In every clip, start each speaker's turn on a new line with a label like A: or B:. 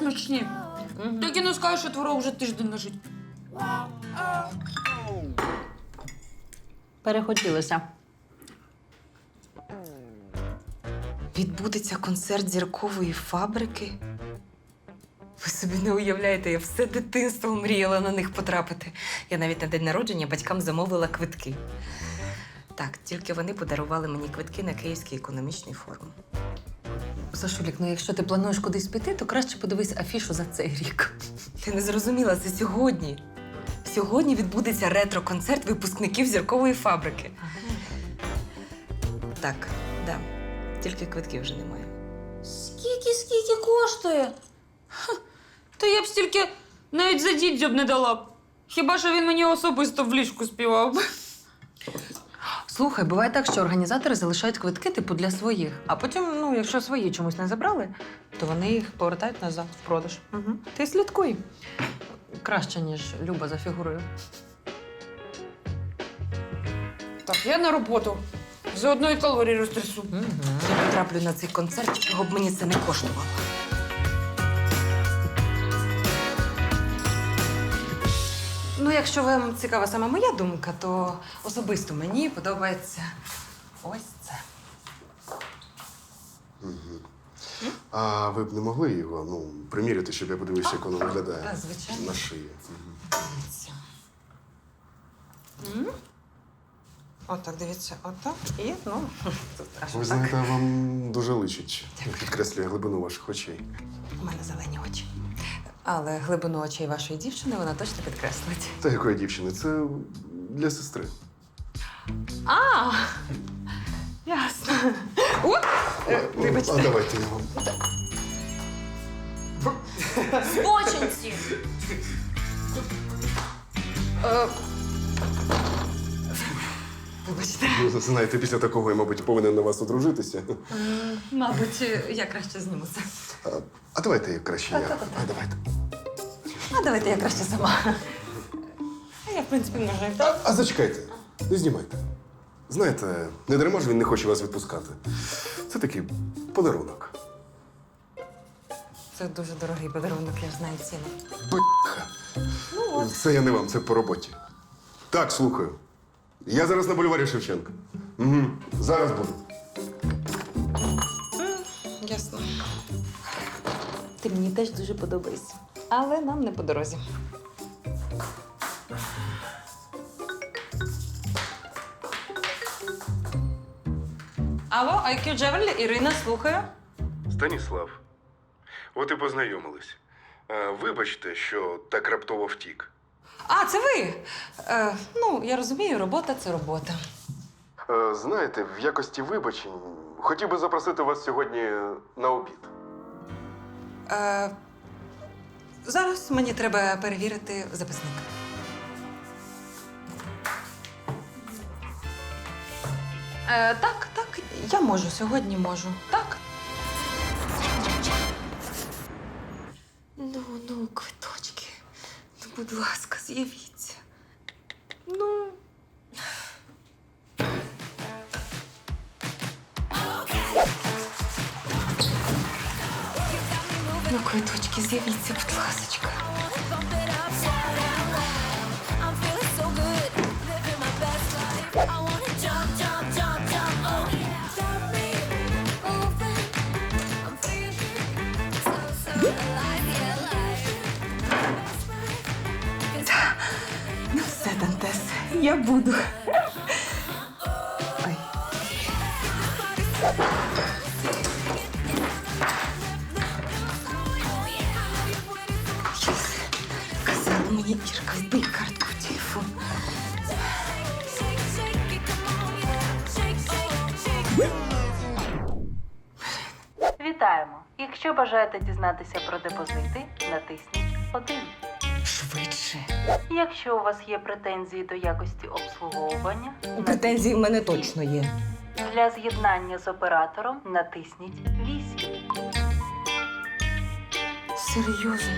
A: смачні. Тільки не скажеш, що творог вже тиждень лежить.
B: Перехотілося.
C: Відбудеться концерт зіркової фабрики. Ви собі не уявляєте, я все дитинство мріяла на них потрапити. Я навіть на день народження батькам замовила квитки. Так, тільки вони подарували мені квитки на Київський економічний форум.
B: Сашулік, ну якщо ти плануєш кудись піти, то краще подивись афішу за цей рік.
C: Ти не зрозуміла, це сьогодні. Сьогодні відбудеться ретро-концерт випускників зіркової фабрики. Так, да. Тільки квитків вже немає.
A: Скільки коштує? Ха, та я б стільки навіть за дідзьоб не дала б. Хіба що він мені особисто в ліжку співав.
B: Слухай, буває так, що організатори залишають квитки типу для своїх. А потім, ну, якщо свої чомусь не забрали, то вони їх повертають назад в продаж. Угу. Ти слідкуй. Краще, ніж Люба за фігурою.
A: Так, я на роботу. Заодно і калорії розтрясу.
C: Я потраплю на цей концерт, чого б мені це не коштувало. Ну, якщо вам цікава саме моя думка, то особисто мені подобається ось це.
D: А ви б не могли його, ну, приміряти, щоб я подивився, як воно виглядає?
C: Так, звичайно.
D: На шиї.
C: Дивіться. Отак, дивіться, отак. І, ну, тут аж
D: Ви
C: отак.
D: знаєте, вам дуже личить. Підкреслює глибину ваших очей.
C: У мене зелені очі. Але глибину очей вашої дівчини вона точно підкреслить.
D: Та якої дівчини? Це для сестри.
C: А, ясно. О, вибачте.
D: А давайте я вам.
A: Збочинці!
C: Вибачте.
D: Ну, знаєте, після такого я, мабуть, повинен на вас одружитися.
C: Мабуть, я краще зніму це.
D: А давайте я краще я. А давайте.
C: А давайте я краще сама. А я, в принципі, можу і так.
D: А зачекайте, не знімайте. Знаєте, не дарма ж він не хоче вас відпускати. Це такий подарунок.
C: Це дуже дорогий подарунок, я ж знаю ціну.
D: Бляха. Це я не вам, це по роботі. Так, слухаю. Я зараз на бульварі Шевченка. Угу. Зараз буду.
C: Ясно. Ти мені теж дуже подобаєшся. Але нам не по дорозі. Алло, IQ Джевель, Ірина, слухаю.
D: Станіслав, от і познайомились. Вибачте, що так раптово втік.
C: А, це ви? Ну, я розумію, робота – це робота.
D: Знаєте, в якості вибачень хотів би запросити вас сьогодні на обід.
C: Зараз мені треба перевірити записник. Так, я можу, сьогодні можу. Так. Ну, квиточки. Ну, будь ласка, з'явіться. Ну. Ну, квиточки, з'явіться, будь ласочка. Ну все, Дантес, я буду. Ой. Казала мені Ірка, вбий картку в телефон.
E: Вітаємо! Якщо бажаєте дізнатися про депозити, натисніть 1.
C: Швидше.
E: Якщо у вас є претензії до якості обслуговування,
C: Претензії в мене точно є.
E: для з'єднання з оператором натисніть 8.
C: Серйозно?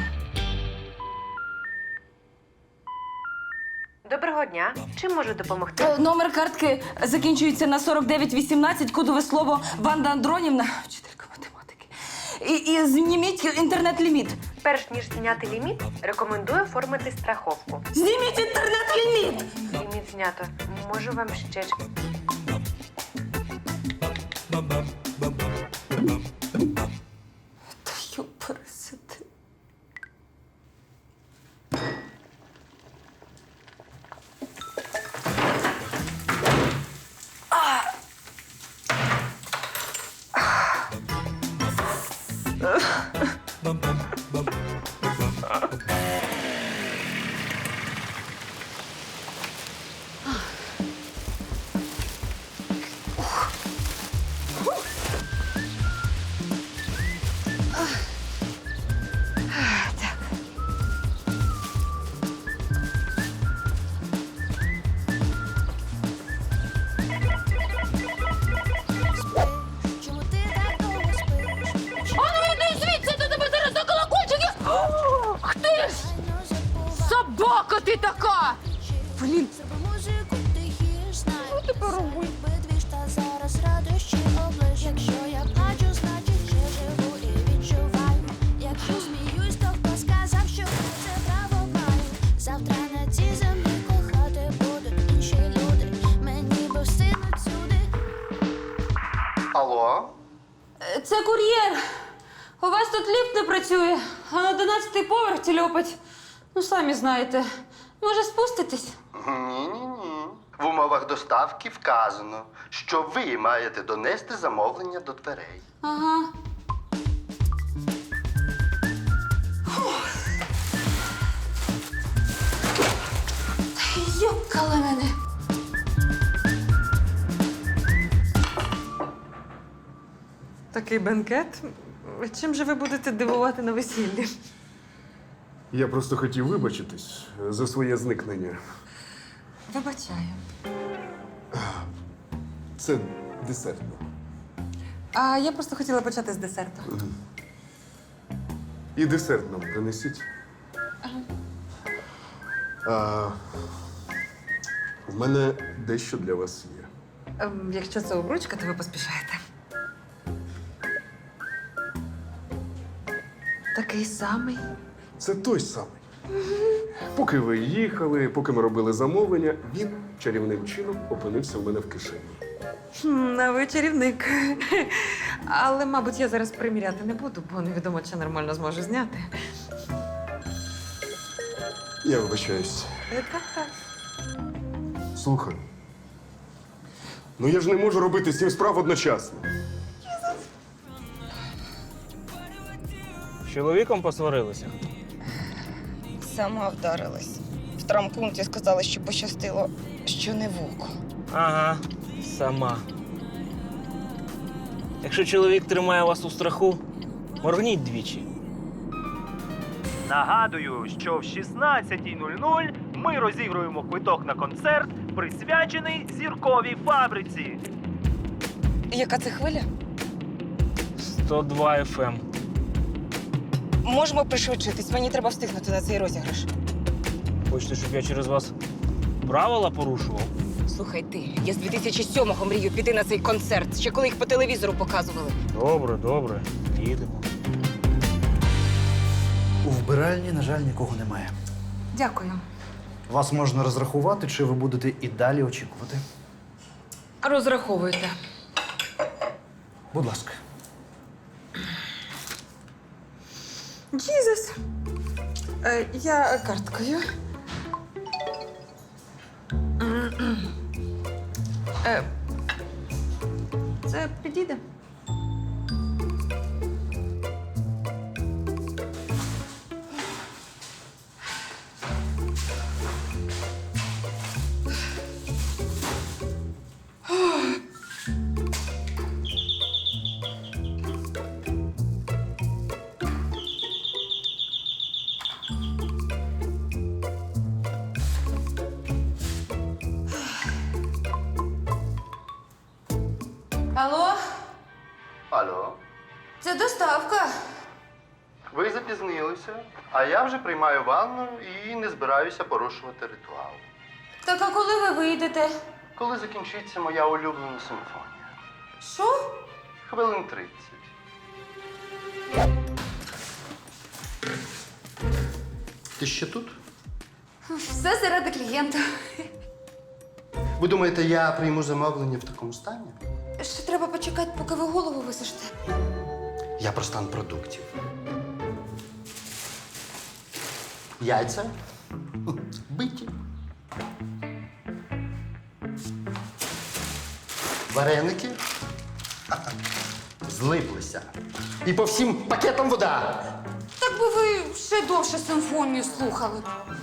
E: Доброго дня! Чим можу допомогти?
F: Номер картки закінчується на 4918, кодове слово Ванда Андронівна, вчителька математики. І зніміть інтернет-ліміт.
G: перш ніж зняти ліміт, рекомендую оформити страховку.
F: Зніміть інтернет-ліміт!
G: Ліміт знято. Можу вам ще.
F: Та юпересити.
A: Собака ти така! Блін,
H: Що тепер робити? Зараз радощі облиш. Якщо я плачу, значить ще живу і відчуваю. Якщо сміюсь, то хто сказав, що це право маю. Завтра на цій землі кохати будуть інші люди. Мені би встигнуть сюди.
I: Алло?
A: це кур'єр. У вас тут ліфт не працює, а на 11-й поверх тільопать. Ну, самі знаєте. Може, спуститесь?
I: Ні. В умовах доставки вказано, що ви маєте донести замовлення до дверей.
A: Ага. Йокала мене.
B: Такий бенкет. Чим же ви будете дивувати на весіллі?
D: Я просто хотів вибачитись за своє зникнення.
B: Вибачаю.
D: Це десертно.
B: А я просто хотіла почати з десерту.
D: І десерт нам принесіть. В мене дещо для вас є.
B: Якщо це обручка, то ви поспішаєте. Такий самий.
D: Це той самий. Поки ви їхали, поки ми робили замовлення, він чарівним чином опинився в мене в кишені.
B: А ви чарівник. Але, мабуть, я зараз приміряти не буду, бо невідомо, чи нормально зможу зняти.
D: Я вибачаюсь.
B: Так.
D: Слухай. Ну я ж не можу робити 7 справ одночасно.
J: З чоловіком посварилися?
K: Сама вдарилась. В травмпункті сказали, що пощастило, що не вуко.
J: Ага, сама. Якщо чоловік тримає вас у страху, моргніть двічі.
L: Нагадую, що в 16:00 ми розігруємо квиток на концерт, присвячений зірковій фабриці.
K: Яка це хвиля?
J: 102 FM.
K: Можемо пришвидшитись, мені треба встигнути на цей розіграш.
J: Хочете, щоб я через вас правила порушував?
K: Слухай ти, я з 2007-го мрію піти на цей концерт, ще коли їх по телевізору показували.
J: Добре, їдемо.
M: У вбиральні, на жаль, нікого немає.
B: Дякую.
M: Вас можна розрахувати, чи ви будете і далі очікувати.
B: Розраховуйте.
M: Будь ласка.
B: Джізус. Я карткою. Це підійде?
A: Алло,
I: Алло?
A: це доставка.
I: Ви запізнилися, а я вже приймаю ванну і не збираюся порушувати ритуал.
A: Так а коли ви вийдете?
I: Коли закінчиться моя улюблена симфонія?
A: Що?
I: Хвилин 30. Ти ще тут?
A: Все заради клієнта.
I: Ви думаєте, я прийму замовлення в такому стані?
A: Ще треба почекати, поки ви голову висушите.
I: Я про стан продуктів. Яйця биті. Вареники злиплися. І по всім пакетам вода.
A: Так би ви ще довше симфонію слухали.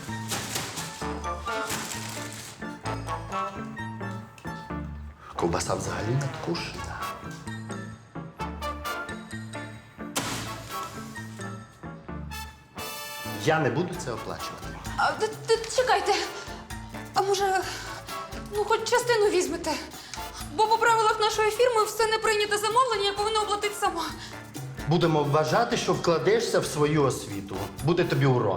I: Ковбаса взагалі надкушена. Я не буду це оплачувати.
A: Чекайте. А може, хоч частину візьмете? Бо по правилах нашої фірми все не прийняте замовлення, я повинна оплатити сама.
I: Будемо вважати, що вкладешся в свою освіту. Буде тобі урок.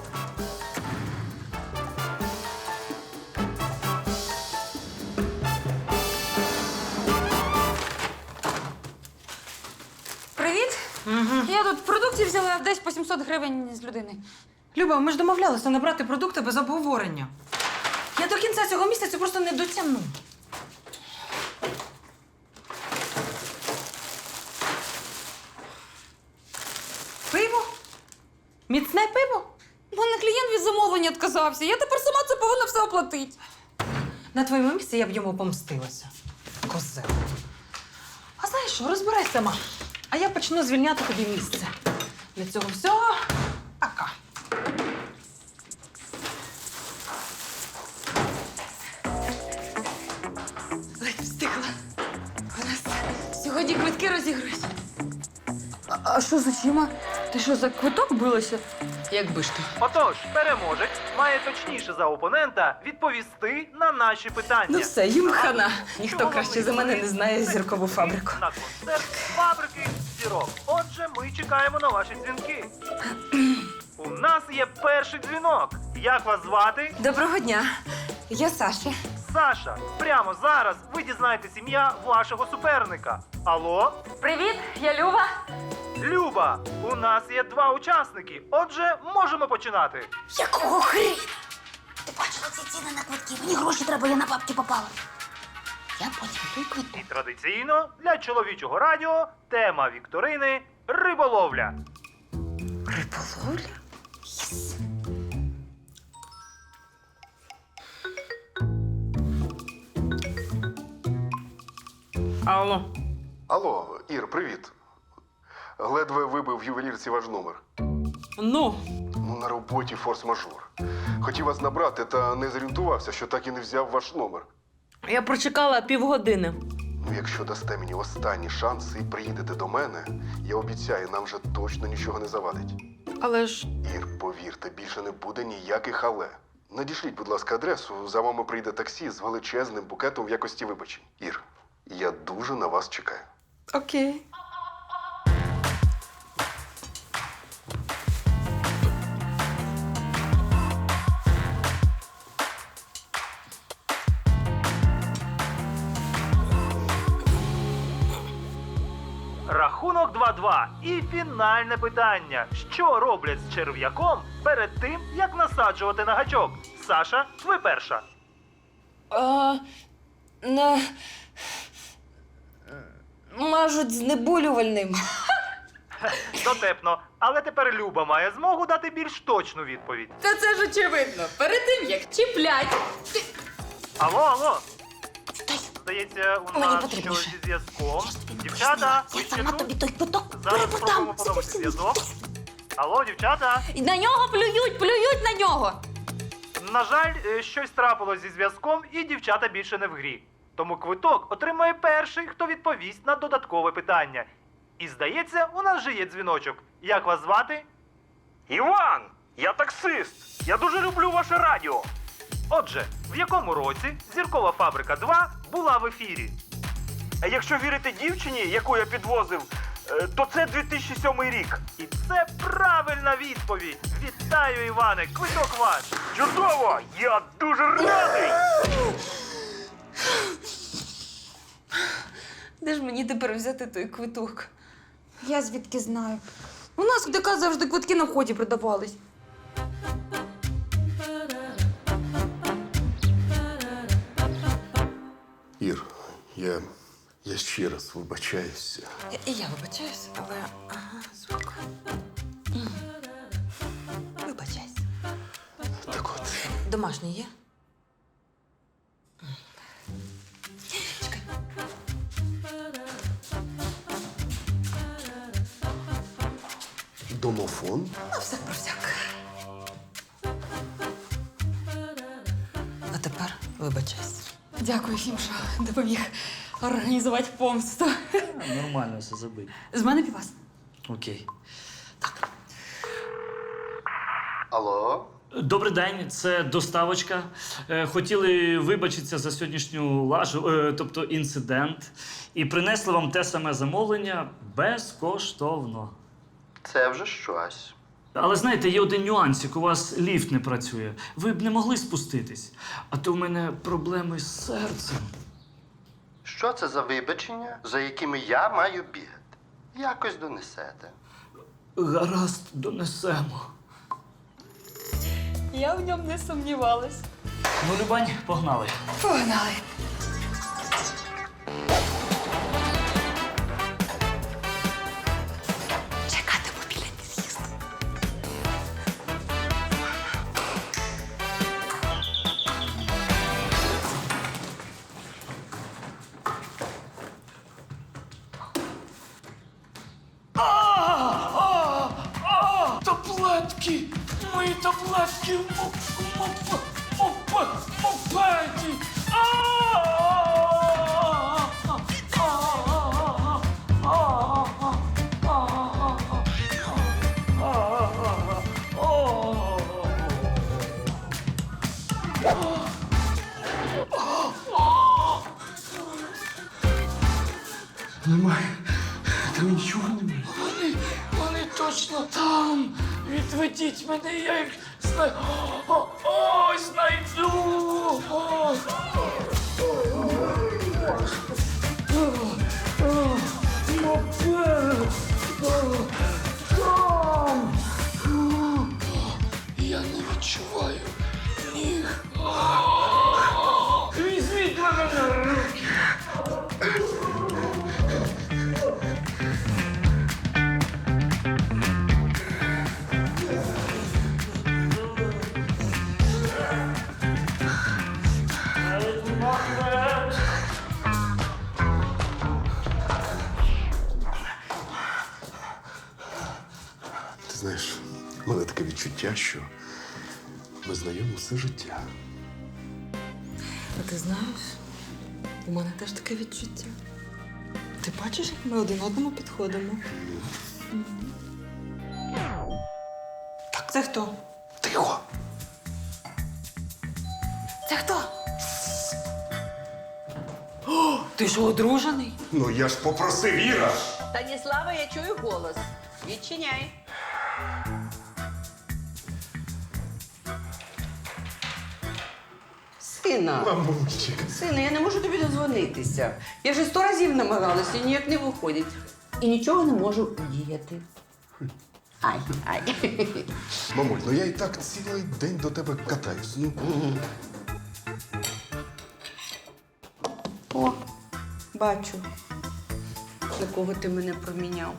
A: Привіт. Я тут продуктів взяла десь по 700 гривень з людини.
B: Люба, ми ж домовлялися не брати продукти без обговорення. Я до кінця цього місяця просто не дотягну. Пиво? Міцне пиво?
A: У мене клієнт від замовлення відказався. Я тепер сама це повинна все оплатити.
B: На твоєму місці я б йому помстилася. Козел. А знаєш що, розбирай сама. А я почну звільняти тобі місце. Для цього всього пока.
A: Ледь встигла. У нас сьогодні квитки розігрують. А що з очима? Ти що, за квиток билася?
B: Якби ж ти.
L: Отож, переможець має точніше за опонента відповісти на наші питання.
K: Ну все, їм хана. Ніхто
L: Чого
K: краще
L: ви
K: за мене не
L: думаєте?
K: знає зіркову фабрику.
L: На концерт фабрики зірок. Отже, ми чекаємо на ваші дзвінки. У нас є перший дзвінок. Як вас звати?
K: Доброго дня. Я Саша.
L: Саша. Прямо зараз ви дізнаєтесь ім'я вашого суперника. Алло?
A: Привіт, я Люба.
L: Люба, у нас є 2 учасники. Отже, можемо починати.
H: Якого хріна? Ти бачила ці ціни на квитки? Мені гроші треба, я на бабки попала. Я потім той квиток.
L: І традиційно для чоловічого радіо тема вікторини риболовля.
K: Риболовля?
H: Єс.
B: Алло.
D: Алло, Ір, привіт. Ледве вибив в ювелірці ваш номер.
B: Ну,
D: На роботі форс-мажор. Хотів вас набрати, та не зорієнтувався, що так і не взяв ваш номер.
B: я прочекала півгодини.
D: Якщо дасте мені останній шанс і приїдете до мене, я обіцяю, нам вже точно нічого не завадить.
B: Але ж
D: Ір, повірте, більше не буде ніяких але. Надішліть, будь ласка, адресу, за вами прийде таксі з величезним букетом в якості вибачень. Ір, я дуже на вас чекаю.
B: окей.
L: Рахунок 2-2. І фінальне питання. Що роблять з черв'яком перед тим, як насаджувати на гачок? Саша, ви перша.
K: Мажуть знеболювальним.
L: Дотепно. Але тепер Люба має змогу дати більш точну відповідь.
A: Та це ж очевидно. Перед тим, як чіплять.
L: Алло. Здається, у
H: Мені
L: нас
H: потрібніше.
L: щось зі зв'язком. Дівчата, ви
H: Я
L: ще
H: сама
L: тут?
H: тобі той квиток
L: Зараз
H: перепродам.
L: спробуємо поновити зв'язок. Алло, дівчата.
A: І на нього плюють на нього.
L: На жаль, щось трапилось зі зв'язком, і дівчата більше не в грі. Тому квиток отримає перший, хто відповість на додаткове питання. І здається, у нас вже є дзвіночок. Як вас звати? Іван! Я таксист! Я дуже люблю ваше радіо! Отже, в якому році «Зіркова фабрика 2» була в ефірі? Якщо вірити дівчині, яку я підвозив, то це 2007 рік. І це правильна відповідь! Вітаю, Іване! Квиток ваш! Чудово! Я дуже радий!
K: Де ж мені тепер взяти той квиток?
A: Я звідки знаю. У нас в ДК завжди квитки на вході продавались.
D: Ір, я ще раз вибачаюся.
B: І я вибачаюсь, але звук. Вибачайся.
D: Так от.
B: Домашній є? Чекай.
D: Домофон?
B: Ну, всяк про всяк. А тепер вибачайся.
F: Дякую всім, що допоміг організувати помсту.
J: Нормально все забить.
F: З мене півас.
J: Окей.
I: Алло?
J: Добрий день, це доставочка. Хотіли вибачитися за сьогоднішню лажу, тобто інцидент, і принесли вам те саме замовлення безкоштовно.
I: Це вже щось.
J: Але знаєте, є один нюансик, у вас ліфт не працює. Ви б не могли спуститись, а то в мене проблеми з серцем.
I: Що це за вибачення, за якими я маю бігати? Якось донесете.
J: Гаразд, донесемо.
F: Я в ньому не сумнівалась.
J: Ну, Любань, погнали.
F: Погнали.
B: Чекатиму біля під'їзду.
J: Таблетки! Мої таблетки в мопеді!
D: Немає. Там нічого немає.
J: Вони точно там! Відведіть мене, я їх знайду! Мопед! Там! Я не відчуваю ніг. Візьміть мене на руки!
D: Ти знаєш, в мене таке відчуття, що ми знайомі все життя.
B: А ти знаєш, у мене теж таке відчуття. Ти бачиш, як ми один одному підходимо? Так, це хто?
D: Тихо!
B: Це хто? О, ти ж одружений?
D: Ну я ж попросив, Іра!
G: Станіслава, я чую голос. Відчиняй.
K: Сина,
D: Мамульчик.
K: сина, я не можу тобі дозвонитися. Я вже 100 разів намагалася і ніяк не виходить. І нічого не можу діяти. Ай.
D: Мамуль, ну я і так цілий день до тебе катаюсь. Ну,
K: О, бачу, на кого ти мене проміняв.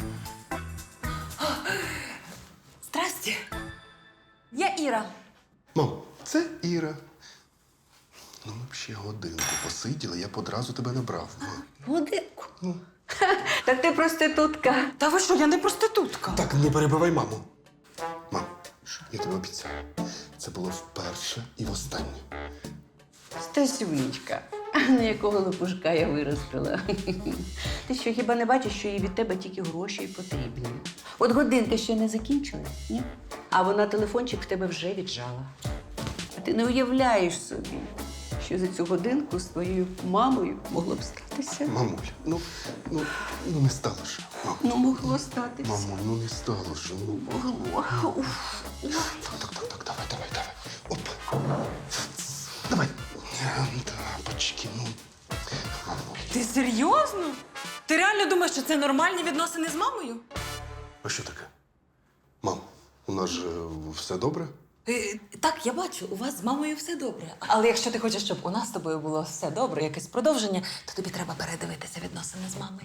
F: Здрасте. Я Іра.
D: Мам, це Іра. Ну, ми б ще годинку посиділи, я б одразу тебе набрав.
K: Годинку. Так ти проститутка.
B: Та ви що, я не проститутка.
D: Так, не перебивай маму. Мам, я тебе обіцяю. Це було вперше і востаннє.
K: Стасюнечка, на якого лопушка я виростила. Ти що, хіба не бачиш, що їй від тебе тільки гроші й потрібні? От годинка ще не закінчилась, ні? А вона телефончик в тебе вже віджала. А ти не уявляєш собі, що за цю годинку з твоєю мамою могло б статися?
D: Мамуль, ну не стало ж. Мам.
K: Ну, могло статися.
D: Мамуль, ну не стало ж. Ну.
K: Могло. Уф.
D: Так, давай. Оп. Давай. Тапочки, ну. Мамуль.
B: Ти серйозно? Ти реально думаєш, що це нормальні відносини з мамою?
D: А що таке? Мам, у нас же все добре?
B: Так, я бачу, у вас з мамою все добре. Але якщо ти хочеш, щоб у нас з тобою було все добре, якесь продовження, то тобі треба передивитися відносини з мамою.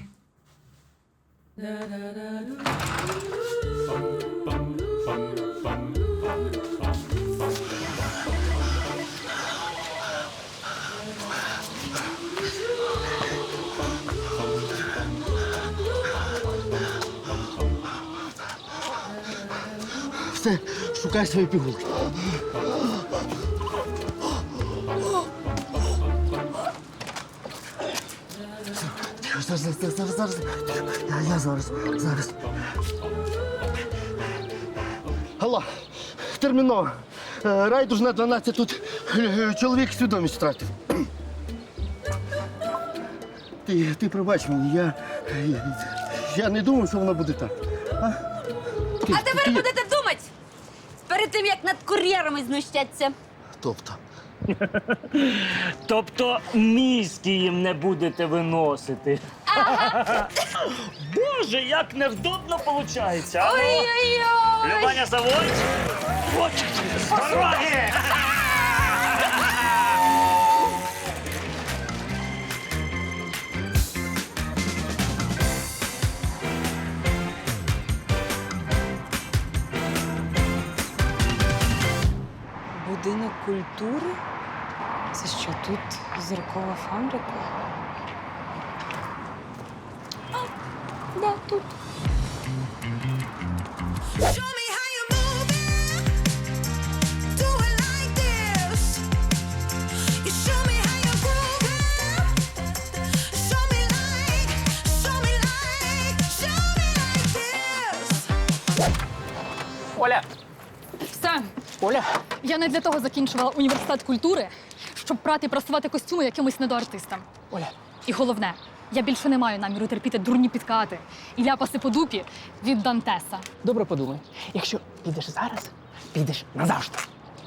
I: Все, шукай свої пігулки. Зараз. Я зараз. Алло, терміново. Райдужна 12, тут чоловік свідомість втратив. Ти пробач мені, я не думав, що воно буде так.
F: А тепер будете думати! Перед тим, як над кур'єрами знущаться.
J: Тобто мізки їм не будете виносити. Боже, як невдобно виходить.
F: Ой-ой-ой!
J: Любаня, заводь. От, з дороги!
C: Будинок культури? Це що, тут зіркова фабрика?
F: Да, тут.
N: Оля!
O: Все.
N: Оля!
O: Я не для того закінчувала університет культури, щоб прати і прасувати костюми якимось недоартистам.
N: Оля!
O: І головне, я більше не маю наміру терпіти дурні підкати і ляпаси по дупі від Дантеса.
N: Добре подумай. Якщо підеш зараз, підеш назавжди.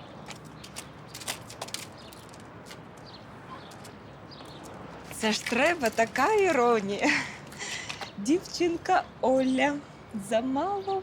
C: Це ж треба така іронія. Дівчинка Оля, замало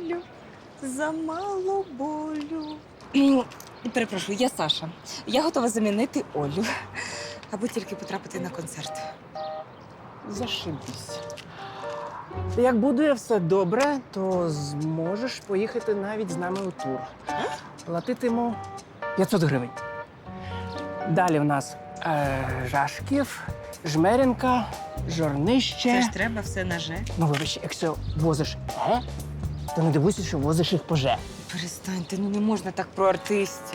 C: болю. Перепрошую, я Саша. Я готова замінити Олю, аби тільки потрапити на концерт.
N: Зашибись. Як буде все добре, то зможеш поїхати навіть з нами у тур. Платитиму 500 гривень. Далі в нас Жашків, Жмеренка, Жорнище.
C: Це ж треба все на «же».
N: Ну, вибач, якщо возиш «ге», то не дивуйся, що возиш їх по «же».
C: Перестаньте, ну не можна так про артистів.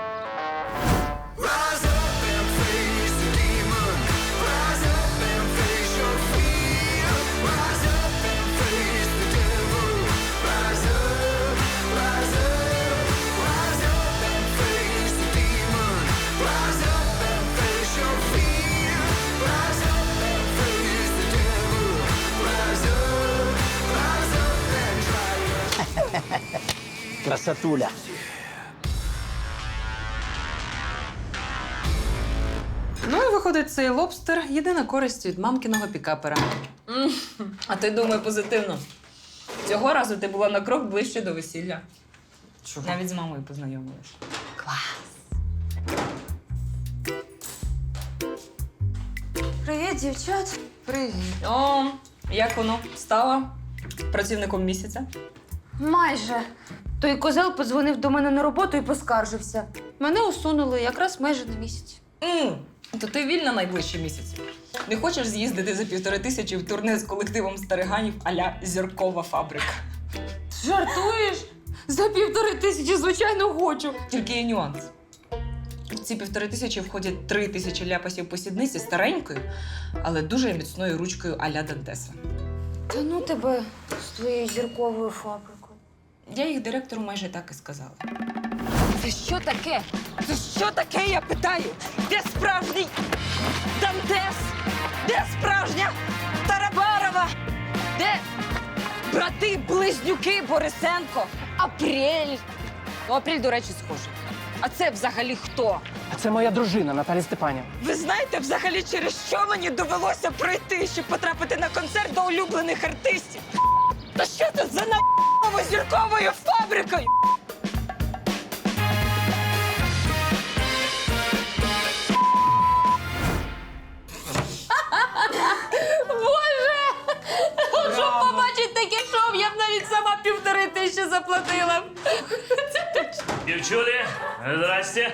N: Красотуля.
B: Ну і виходить, цей лобстер – єдина користь від мамкиного пікапера.
C: А ти думай позитивно. Цього разу ти була на крок ближче до весілля.
B: Чого?
C: Навіть з мамою познайомилась.
F: Привіт, дівчат.
B: Привіт.
C: О, як воно? Стала працівником місяця?
A: Майже. Той козел подзвонив до мене на роботу і поскаржився. Мене усунули якраз майже на місяць.
C: То ти вільна найближчий місяць. Не хочеш з'їздити за 1500 в турне з колективом стариганів а-ля зіркова фабрика?
A: Жартуєш? За 1500, звичайно, хочу.
C: Тільки є нюанс. В ці 1500 входять 3000 ляпасів по сідниці старенькою, але дуже міцною ручкою а-ля Дантеса.
A: Та ну тебе з твоєю зірковою фабрикою.
C: Я їх директору майже так і сказала.
F: Це що таке? Це що таке, я питаю? Де справжній Дантес? Де справжня Тарабарова? Де брати-близнюки Борисенко? Апрель? Ну, Апрель, до речі, схожий. А це взагалі хто?
N: А це моя дружина Наталя Степанівна.
F: Ви знаєте взагалі, через що мені довелося пройти, щоб потрапити на концерт до улюблених артистів? Та що це за на***ново зірковою фабрикою?
J: Дівчулі, здрасте.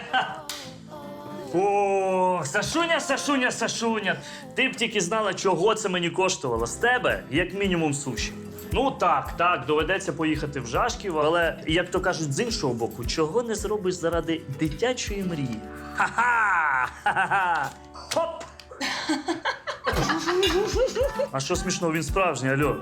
J: О, Сашуня. Ти б тільки знала, чого це мені коштувало. З тебе, як мінімум, суші. Ну так, доведеться поїхати в Жашків, але, як то кажуть, з іншого боку, чого не зробиш заради дитячої мрії? Ха-ха! Хоп! А що смішного, він справжній, алло?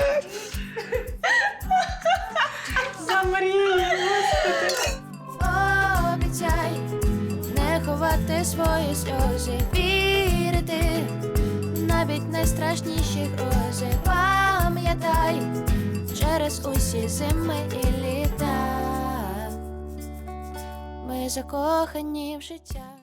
H: Обіцяй не ховати свої сльози, вірити навіть найстрашніші грози. Пам'ятай через усі зими і літа. Ми закохані в життя.